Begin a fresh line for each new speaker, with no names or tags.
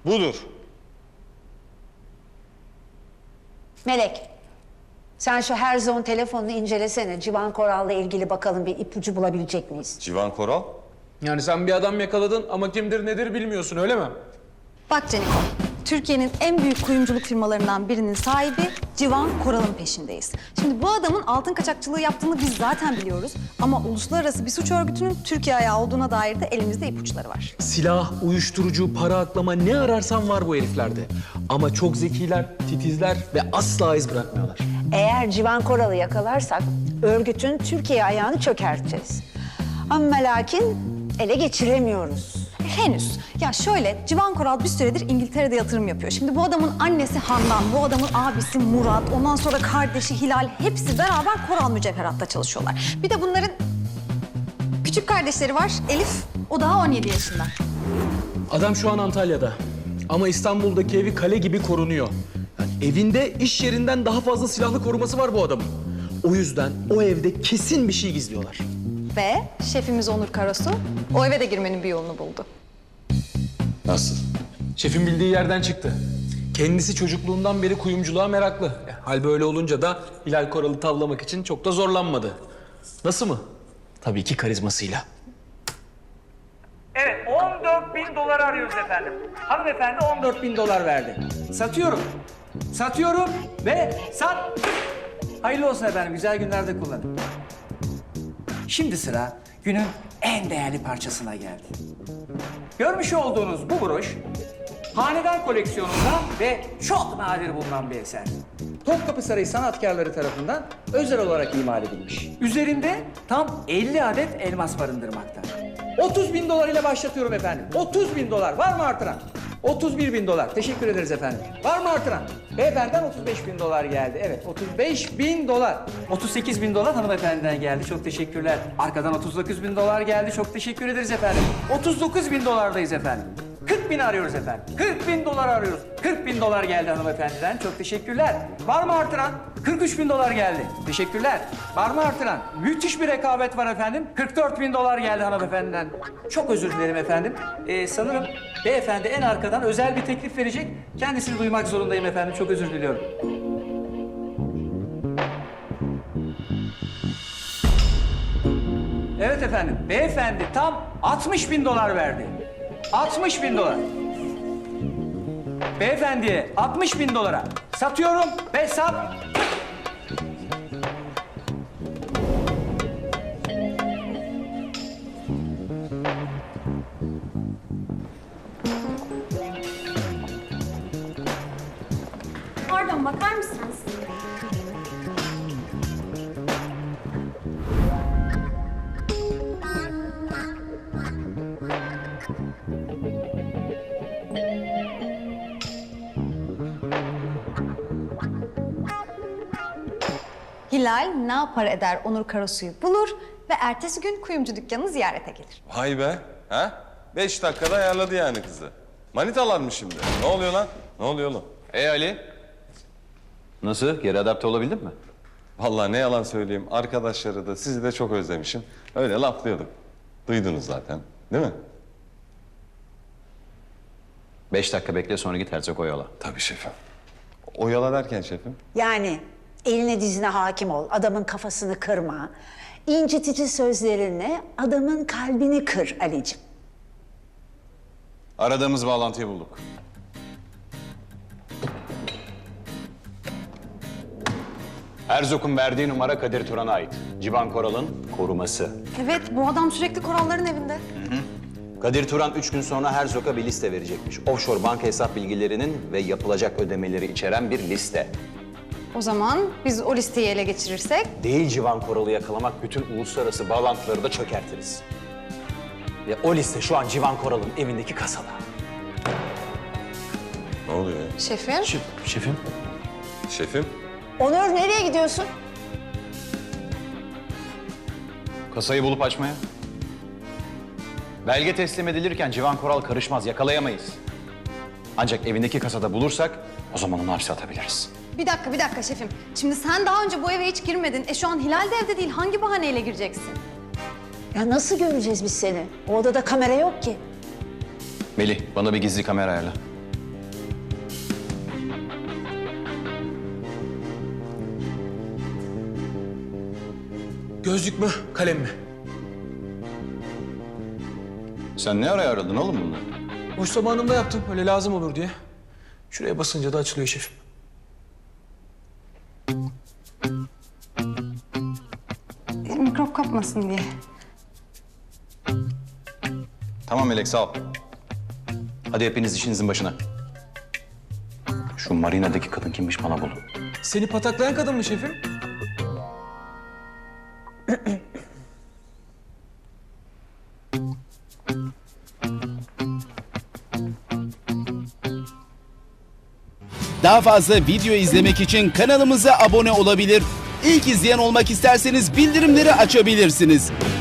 Budur.
Melek, sen şu Herzog'un telefonunu incelesene. Civan Koral'la ilgili bakalım bir ipucu bulabilecek miyiz?
Civan Koral?
Yani sen bir adam yakaladın ama kimdir nedir bilmiyorsun öyle mi?
Bak Caniko, Türkiye'nin en büyük kuyumculuk firmalarından birinin sahibi Civan Koral'ın peşindeyiz. Şimdi bu adamın altın kaçakçılığı yaptığını biz zaten biliyoruz. Ama uluslararası bir suç örgütünün Türkiye ayağı olduğuna dair de elimizde ipuçları var.
Silah, uyuşturucu, para aklama ne ararsan var bu heriflerde. Ama çok zekiler, titizler ve asla iz bırakmıyorlar.
Eğer Civan Koral'ı yakalarsak örgütün Türkiye ayağını çökerteceğiz. Ama lakin ele geçiremiyoruz.
Henüz. Ya şöyle, Civan Koral bir süredir İngiltere'de yatırım yapıyor. Şimdi bu adamın annesi Handan, bu adamın abisi Murat, ondan sonra kardeşi Hilal hepsi beraber Koral Mücevherat'ta çalışıyorlar. Bir de bunların küçük kardeşleri var, Elif. O daha 17 yaşında.
Adam şu an Antalya'da. Ama İstanbul'daki evi kale gibi korunuyor. Yani evinde iş yerinden daha fazla silahlı koruması var bu adamın. O yüzden o evde kesin bir şey gizliyorlar.
Ve şefimiz Onur Karasu o eve de girmenin bir yolunu buldu.
Nasıl?
Şefin bildiği yerden çıktı. Kendisi çocukluğundan beri kuyumculuğa meraklı. Hal böyle olunca da Hilal Koral'ı tavlamak için çok da zorlanmadı. Nasıl mı? Tabii ki karizmasıyla.
Evet, 14.000 dolar arıyoruz efendim. Hanımefendi 14.000 dolar verdi. Satıyorum. Satıyorum ve sat. Hayırlı olsun efendim, güzel günlerde kullanın. Şimdi sıra günün en değerli parçasına geldi. Görmüş olduğunuz bu broş, hanedan koleksiyonunda ve çok nadir bulunan bir eser. Topkapı Sarayı sanatkarları tarafından özel olarak imal edilmiş. Üzerinde tam 50 adet elmas barındırmakta. 30.000 dolar ile başlatıyorum efendim. 30.000 dolar. Var mı artıran? 31.000 dolar. Teşekkür ederiz efendim. Var mı artıran? Beyefendiden 35.000 dolar geldi. Evet, 35.000 dolar. 38.000 dolar hanımefendiden geldi. Çok teşekkürler. Arkadan 39.000 dolar geldi. Çok teşekkür ederiz efendim. 39.000 dolardayız efendim. 40.000 arıyoruz efendim. 40.000 dolar arıyoruz. 40.000 dolar geldi hanımefendiden. Çok teşekkürler. Var mı artıran? 43.000 dolar geldi. Teşekkürler. Var mı artıran? Müthiş bir rekabet var efendim. 44.000 dolar geldi hanımefendiden. Çok özür dilerim efendim. Sanırım beyefendi en arkadan özel bir teklif verecek. Kendisini duymak zorundayım efendim. Çok özür diliyorum. Evet efendim. Beyefendi tam 60.000 dolar verdi. 60.000 dolar. Beyefendiye 60.000 dolara satıyorum ve sat.
Pardon, bakar mısınız? Hilal ne yapar eder Onur Karasu'yu bulur ve ertesi gün kuyumcu dükkanını ziyarete gelir.
Vay be. Ha? 5 dakikada ayarladı yani kızı. Manitalar mı şimdi? Ne oluyor lan? Ne oluyor oğlum?
Ali. Nasıl? Geri adapte olabildin mi?
Vallahi ne yalan söyleyeyim. Arkadaşları da sizi de çok özlemişim. Öyle laflıyorduk. Duydunuz zaten. Değil mi?
5 dakika bekle sonra git Herzog Oyal'a.
Tabii şefim. Oyala derken şefim?
Yani eline dizine hakim ol, adamın kafasını kırma. İncitici sözlerinle adamın kalbini kır Ali'ciğim.
Aradığımız bağlantıyı bulduk. Herzog'un verdiği numara Kadir Turan'a ait. Civan Koral'ın koruması.
Evet, bu adam sürekli Koralların evinde.
Kadir Turan 3 gün sonra Herzog'a bir liste verecekmiş. Offshore banka hesap bilgilerinin ve yapılacak ödemeleri içeren bir liste.
O zaman biz o listeyi ele geçirirsek...
Değil Civan Koral'ı yakalamak, bütün uluslararası bağlantıları da çökertiriz. Ve o liste şu an Civan Koral'ın evindeki kasada.
Ne oluyor ya?
Şefim?
Şefim?
Şefim?
Onur nereye gidiyorsun?
Kasayı bulup açmaya. Belge teslim edilirken Civan Koral karışmaz, yakalayamayız. Ancak evindeki kasada bulursak o zaman onu hapse atabiliriz.
Bir dakika şefim. Şimdi sen daha önce bu eve hiç girmedin. Şu an Hilal de evde değil. Hangi bahaneyle gireceksin?
Ya nasıl göreceğiz biz seni? O odada kamera yok ki.
Melih, bana bir gizli kamera ayarla.
Gözlük mü, kalem mi?
Sen ne araya aradın oğlum bunları?
Boş zamanımda yaptım, öyle lazım olur diye. Şuraya basınca da açılıyor şefim.
Mikrop kapmasın diye.
Tamam Melek, sağ ol. Hadi hepiniz işinizin başına. Şu marinadaki kadın kimmiş bana bulun.
Seni pataklayan kadın mı şefim?
Daha fazla video izlemek için kanalımıza abone olabilir. İlk izleyen olmak isterseniz bildirimleri açabilirsiniz.